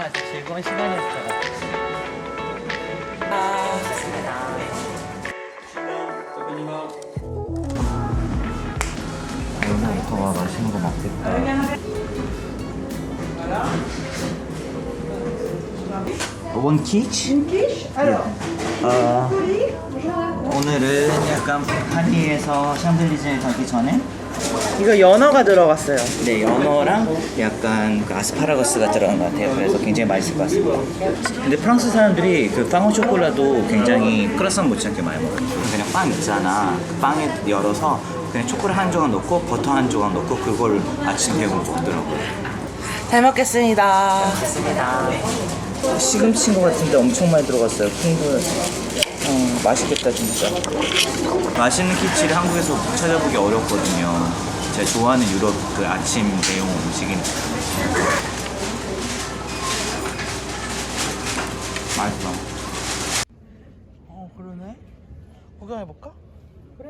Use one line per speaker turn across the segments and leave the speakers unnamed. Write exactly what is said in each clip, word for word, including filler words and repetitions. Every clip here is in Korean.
아주 즐거운 시간이었을 것 같아요. 아, 좋습니다. 오늘부터 맛있는 거 먹겠다. 원 키치? 어, 오늘은 약간 파리에서 샹들리제에 가기 전에
이거 연어가 들어갔어요.
네, 연어랑 약간 그 아스파라거스가 들어간 것 같아요. 그래서 굉장히 맛있을 것 같습니다. 근데 프랑스 사람들이 그 빵오 초콜라도 굉장히 크라상 못지않게 많이 먹어요. 그냥 빵 있잖아. 그 빵에 열어서 그냥 초콜릿 한 조각 넣고 버터 한 조각 넣고 그걸 아침 배고로 먹더라고요.
잘 먹겠습니다.
좋습니다. 시금치인 것 같은데 엄청 많이 들어갔어요. 풍부해. 어, 맛있겠다 진짜. 맛있는 키치를 한국에서 찾아보기 어렵거든요. 제가 좋아하는 유럽 그 아침 대용 음식이니까. 맛있어.
어 그러네. 구경해볼까? 그래.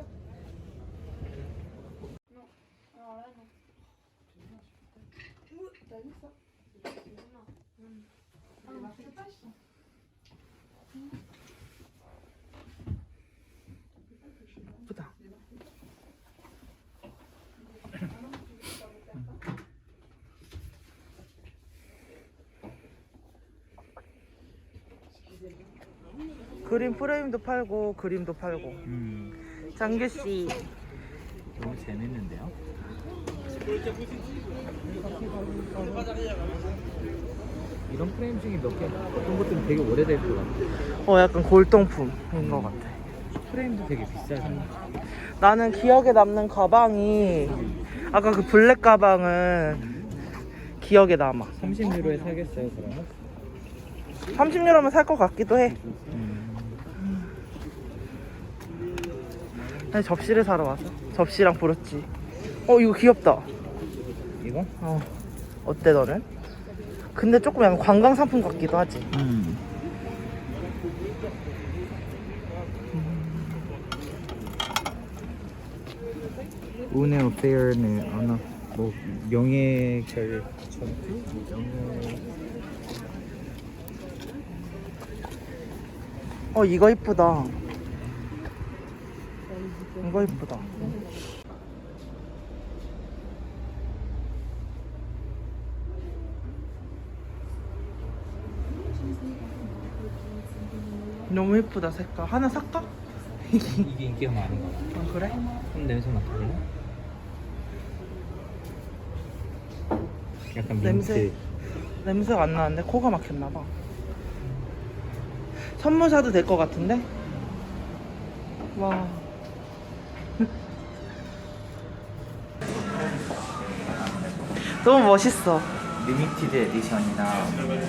예쁘다. 그림 프레임도 팔고 그림도 팔고.
음,
장규 씨.
너무 재밌는데요? 이런 프레임 중에 몇 개, 어떤 것들은 되게 오래될 것 같아.
어 약간 골동품인 것 같아.
프레임도 되게 비싸서.
나는 기억에 남는 가방이 아까 그 블랙 가방은 기억에 남아.
삼십 유로에 사겠어요, 그러면?
삼십 유로면 살 것 같기도 해. 아니, 접시를 사러 와서 접시랑 브로치. 어 이거 귀엽다.
이거?
어 어때 너는? 근데 조금 약간 관광 상품 같기도 하지.
음. 운의 어페어는 아나 뭐 명예 결 전투 명예
어 이거 이쁘다. 이거 이쁘다. 너무 예쁘다 색깔. 하나 살까?
이게 인기가 많은 거 같아.
어, 그래?
그럼 냄새 맡아볼래? 약간
냄새
민트.
냄새가 안 나는데 코가 막혔나봐. 선물 사도 될 것 같은데? 와. 너무 멋있어.
리미티드 에디션이나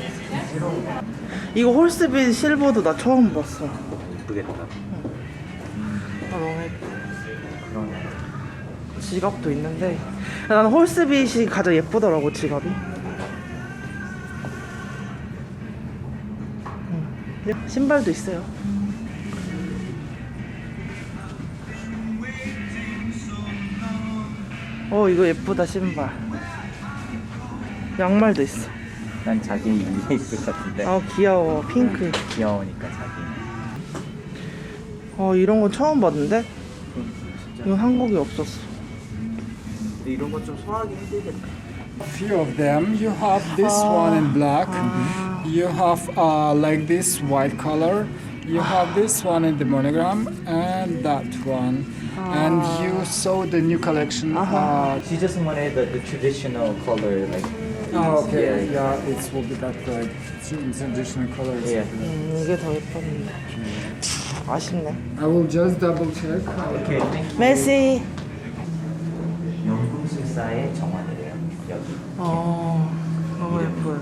이거 홀스빈 실버도 나 처음 봤어. 아
예쁘겠다.
너무 예뻐.
그런
지갑도 있는데 나는 홀스빗이 가장 예쁘더라고 지갑이. 음, 신발도 있어요. 어 이거 예쁘다 신발. 양말도 있어.
난 자기 위에 있을 것 같은데.
아 귀여워 핑크.
귀여우니까 자기.
어 이런 건 처음 봤는데
진짜.
이건 한국에 없었어.
근데 이런 거 좀 소화하기 힘들겠다.
Few of them. You have this one in black. You have uh, like this white color. You have this one in the monogram and that one. And you saw the new collection. Uh,
She just wanted the, the traditional color, like.
oh, okay.
Yeah.
Yeah, it will be that like traditional colors.
Yeah.
음, 이게 더 예뻤는데. 아쉽네.
I will just double check.
Okay, thank you.
메시.
연금술사의 정원이래요. 여기.
어 너무 예뻐요.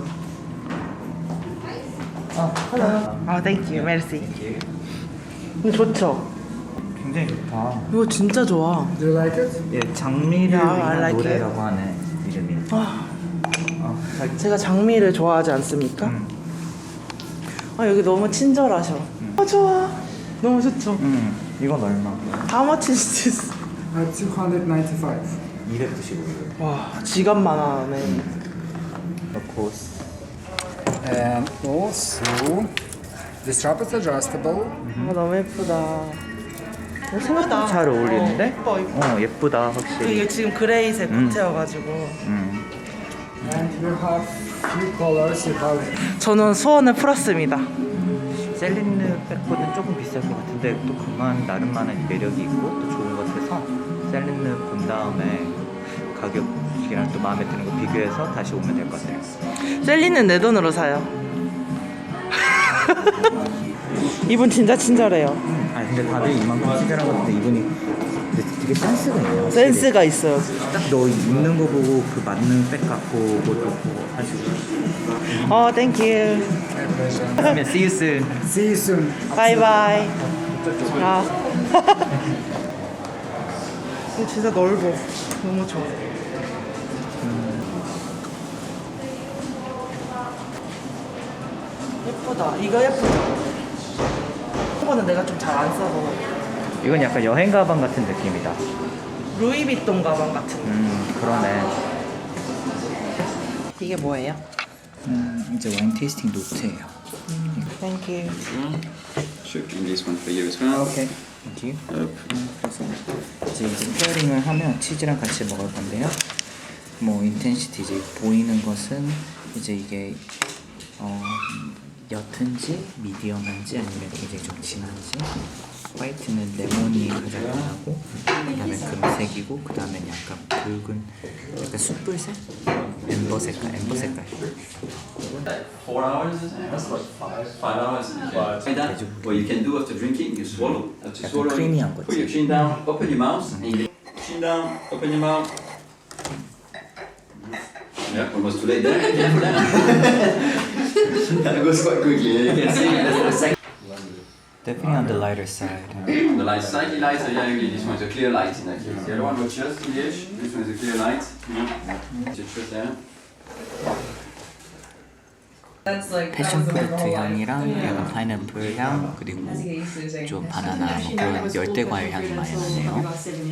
아, hello.
아 땡큐 메시.
Thank you.
이거 좋죠?
굉장히 좋다.
이거 진짜 좋아.
Do you like it?
예, 장미를
Yeah, I
위한
like
노래라고 하는 이름이에요.
아,
어, 자기
제가 장미를 좋아하지 않습니까?
음.
아 여기 너무 친절하셔. 아 좋아. 너무 좋죠.
음, 이건 얼마?
How much is this?
Uh, two hundred ninety-five.
이백구십오 유로.
와 지갑만 하네.
Of course.
And Also, the strap is adjustable.
아, 너무 예쁘다. 어, 생각보다
잘 어울리는데?
어, 예뻐, 예뻐.
어 예쁘다 확실히.
이게 지금 그레이색
음.
코트여가지고.
음.
And you have few colors. You have
저는 소원을 풀었습니다.
셀린느 백보다는 조금 비쌀 것 같은데 또 그만 나름만의 매력이 있고 또 좋은 것 같아서 셀린느 본 다음에 가격이랑 또 마음에 드는 거 비교해서 다시 오면 될 것 같아요.
셀리는 내 돈으로 사요. 이분 진짜 친절해요.
아 근데 다들 이만큼 친절한 것 같은데 이분이 근데 되게 센스가 있네요. 확실히.
센스가 있어요.
딱 너 입는 거 보고 그 맞는 백 갖고 그것도 보고 하시고.
어, 땡큐.
그러면 see you soon.
see you soon.
바이바이. 아. 이거 진짜 넓어. 너무 좋아. 예쁘다. 이거 예쁘다. 이거는 내가 좀 잘 안 써서.
이건 약간 여행 가방 같은 느낌이다.
루이비통 가방 같은.
음 그러네.
이게 뭐예요?
음 이제 와인 테이스팅 노트예요.
땡큐.
Shipping this one for you as well.
오케이. Thank you. 음, 그래서 이제 스페어링을 하면 치즈랑 같이 먹을 건데요. 뭐 인텐시티 이제 보이는 것은 이제 이게 어, 옅은지 미디엄한지 아니면 굉장히 좀 진한지. 화이트는 레몬이 가장 진하고 그다음에 금색이고 그다음에 약간 붉은 약간 숯불색 엠버 색깔 엠버 색깔.
Four hours is it? That's like five. Five hours. Five. Like that. What you can do after drinking, you swallow. After
약간
swallowing,
크리미한 거지.
put your chin down, open your mouth, and you chin down, open your mouth. Yeah, almost too late there. Careful there. That goes quite quickly. You can see that's the second.
Definitely on the lighter side.
The light slightly lighter, yeah, really. This one's a clear light in that case. The other one was just ish. This one is a clear light. Yeah. Just put there.
패션 프루트 향이랑 약간 파인애플 향 그리고 좀 바나나 뭐 그런 열대 과일 향이 많이 나네요.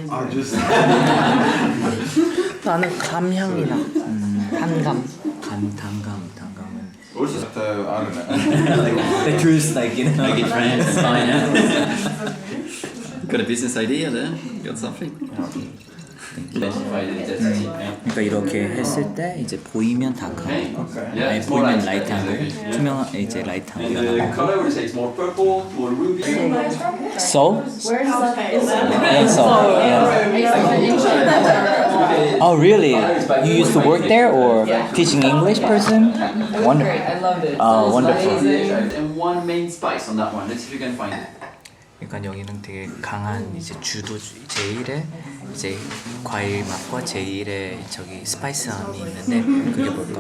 나는 감향이 나. 음, 단감.
간 단감 단감은
Also, uh, I don't know.
the juice like you know.
Like in France, it's fine. Yeah? Got a business idea there? Got something? Identified identity. Yeah.
그러니까 이렇게 했을 때 이제 보이면 다크하고
Yeah,
아니
it's more
보이면
light.
라이트하고 투명 이제 라이트하고
And the color would say it's more purple, more ruby.
So? Yeah, so. Oh really? You used to work there or teaching English person? Wonderful.
I loved it.
Oh, wonderful.
And one main spice on that one. Let's see if you can find it.
그러니까 여기는 되게 강한 이제 주도 제일의 이제 과일 맛과 제일의 저기 스파이스함이 있는데 그게 뭘까?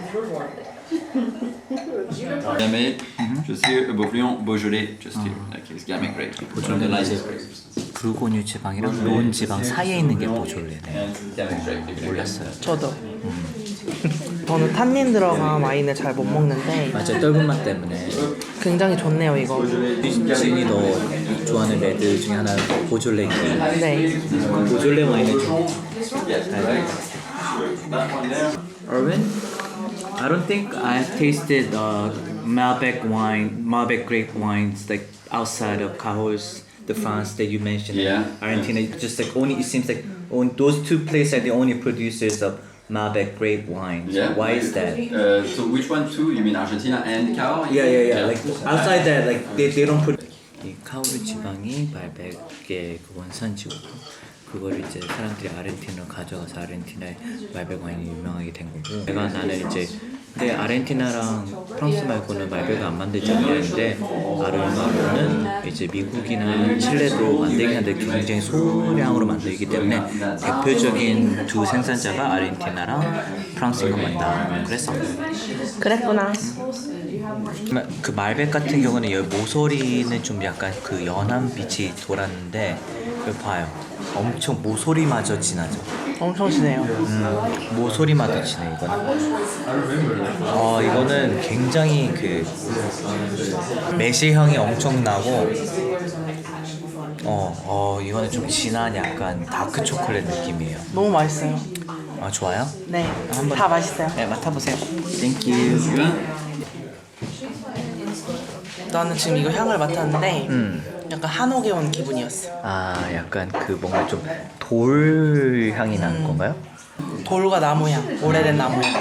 Gamay, just here, above Lyon, Beaujolais, just here. Like it's Gamay grape. One of the lightest grapes.
불고뉴 지방이랑 론 지방 사이에 있는 게 보졸레네.
And Gamay grape.
몰랐어요.
저도. 저는 탄닌 들어간 와인을 잘 못 먹는데
맞아, 떫은 맛 때문에.
굉장히 좋네요 이거.
진이 너 좋아하는 레드 중에 하나 보졸레인데
네.
보졸레 와인을 좀
That one there.
Erwin? I don't think I've tasted uh, Malbec wine, Malbec grape wines like outside of Cahors, the France that you mentioned.
Yeah.
Argentina. It's just like only it seems like on those two places are the only producers of Malbec grape wines.
Yeah.
Why is that?
Uh, so which one too? You mean Argentina and Cahors?
Yeah, yeah, yeah. Like outside that, like they, they don't put. 이 카오르 지방이 말백의 그 원산지고 그걸 이제 사람들이 아르헨티나로 가져가서 아르헨티나의 말백 와인이 유명하게 된 거고. 내가 나는 이제 근데 아르헨티나랑 프랑스 말고는 말백을 안 만들잖아요. 근데 아르마로는 이제 미국이나 칠레도 만들긴 한데 굉장히 소량으로 만들기 때문에 대표적인 두 생산자가 아르헨티나랑 프랑스인 것만 다 그랬어.
그랬구나.
그 말백 같은 경우는 여기 모서리는 좀 약간 그 연한 빛이 돌았는데 여기 봐요. 엄청 모서리마저 진하죠.
엄청 진해요.
음, 모서리마저 진해 이거는. 어 이거는 굉장히 그 매실 향이 엄청 나고. 어, 어 이거는 좀 진한 약간 다크 초콜릿 느낌이에요.
너무 맛있어요.
아 좋아요?
네.
한번
다 맛있어요.
네 맡아보세요. Thank you.
나는 지금 이거 향을 맡았는데
음.
약간 한옥에 온 기분이었어.
아, 약간 그 뭔가 좀 돌 향이 나는 건가요?
돌과 나무향, 오래된 나무향.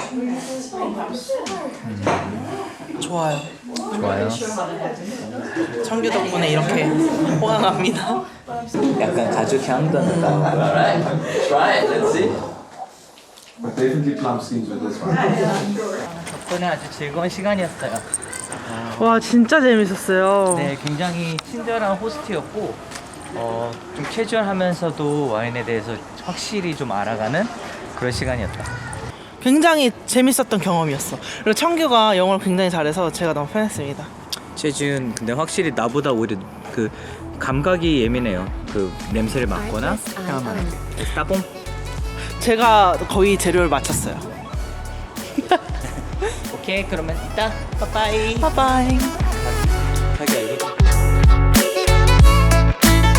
좋아요.
좋아요.
청규 덕분에 이렇게 호강합니다.
약간 가죽 향도 난다.
Alright, try it, let's see.
Definitely plum skins with this one.
덕분에 아주 즐거운 시간이었어요.
와 진짜 재밌었어요.
네, 굉장히 친절한 호스트였고 어, 좀 캐주얼하면서도 와인에 대해서 확실히 좀 알아가는 그런 시간이었다.
굉장히 재밌었던 경험이었어. 그리고 청규가 영어를 굉장히 잘해서 제가 너무 편했습니다.
최준 근데 확실히 나보다 오히려 그 감각이 예민해요. 그 냄새를 맡거나 향을 맡을 때. 따봉.
제가 거의 재료를 맞췄어요.
오케이, 그러면 이따 빠빠이.
바이바이.